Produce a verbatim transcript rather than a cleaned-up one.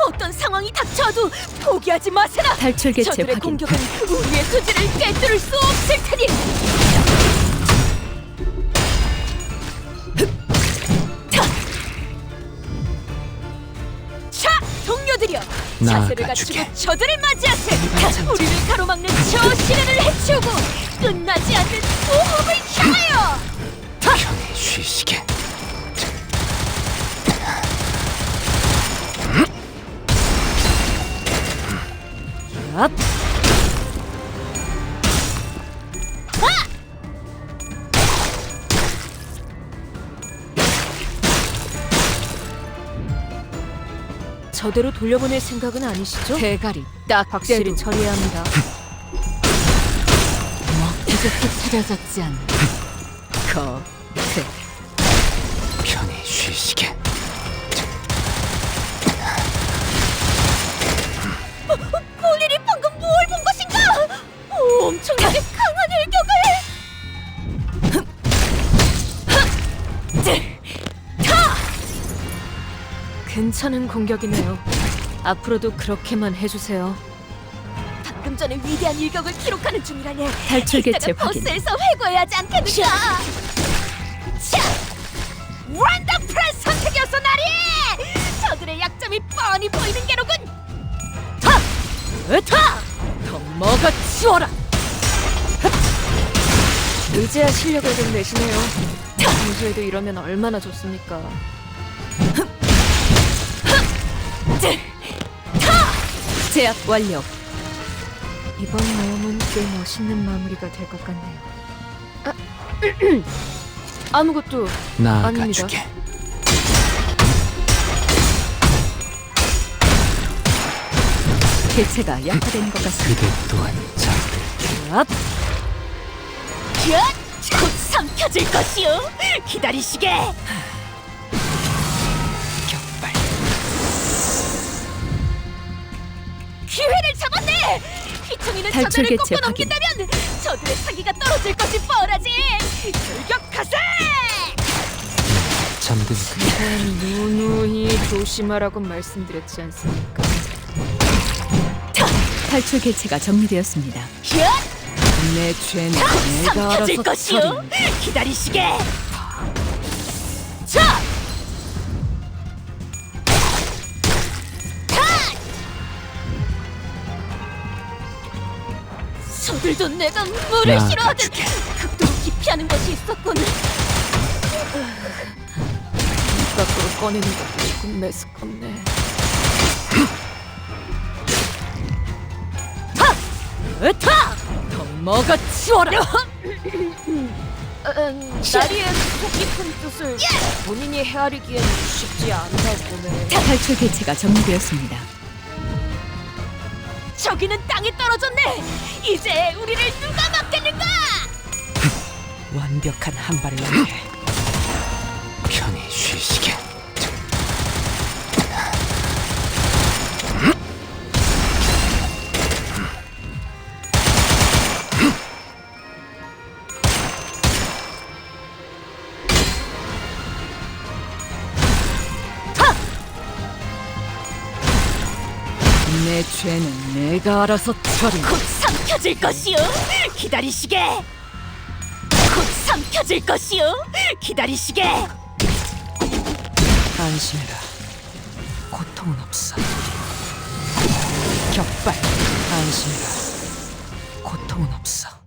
어떤 상황이 닥쳐도 포기하지 마세라. 탈출 개체 저들의 확인. 공격은 우리의 소지를 꿰뚫을 수 없을 테니. 자, 동료들이여, 자세를 나아가주게. 갖추고 저들을 맞이하세. 우리를 가로막는 저 시련을 해치우고 끝나지 않는 호흡을 향하여. 편히 쉬시게. 앞. 저대로 돌려보낼 생각은 아니시죠? 대가리 딱 확실히 처리해야 합니다. 먹기좋게 차려졌지 않는 거태. 편히 쉬시게. 볼일이 방금 뭘 본 것인가? 오, 엄청나게 강한 일격을! 타! 괜찮은 공격이네요. 앞으로도 그렇게만 해주세요. 방금 전에 위대한 일격을 기록하는 중이라니. 탈출 개체 이따가 확인. 버스에서 회고해야 하지 않겠는가? 자! 랜덤 프레스 선택이었어, 나리! 저들의 약점이 뻔히 보이는 게로군! 타! 으타! 더 먹어치워라! 이제야 실력을 좀 내시네요. 평소에도 이러면 얼마나 좋습니까? 제압 완료. 이번 모험은 꽤 멋있는 마무리가 될 것 같네요. 아, 아무것도 나아가주게. 개체가 약화된 것 같습니다. 그대 또한 잠들. 앞! 얏! 곧 삼켜질 것이오! 기다리시게! 격발. 기회를 잡았네! 휘청이는 탈출 저들을 개체 꺾고 확인. 넘긴다면 저들의 사기가 떨어질 것이 뻔하지! 돌격하세! 잠든 그 누누이 조심하라고 말씀드렸지 않습니까? 탈출 개체가 정리되었습니다. 얏! 내 죄는 삼켜질 것이오! 기다리시게! 자! 저들도 내가 물을 나 싫어하듯 가줄게. 극도로 기피하는 것이 있었군. 입 밖으로 꺼내는 것도 조금 메스껍네. 하! 으타! 더 먹어치워라! 나리의 속 깊은 뜻을 본인이 헤아리기엔 쉽지 않나 보네. 탈출 개체가 정리되었습니다. 저기는 땅에 떨어졌네. 이제 우리를 누가 막겠는가? 완벽한 한 발을 위해 편히 쉬시게. 내 죄는 내가 알아서 처리. 곧 삼켜질 것이오. 기다리시게. 곧 삼켜질 것이오. 기다리시게. 안심해라. 고통은 없어. 격발. 안심해라. 고통은 없어.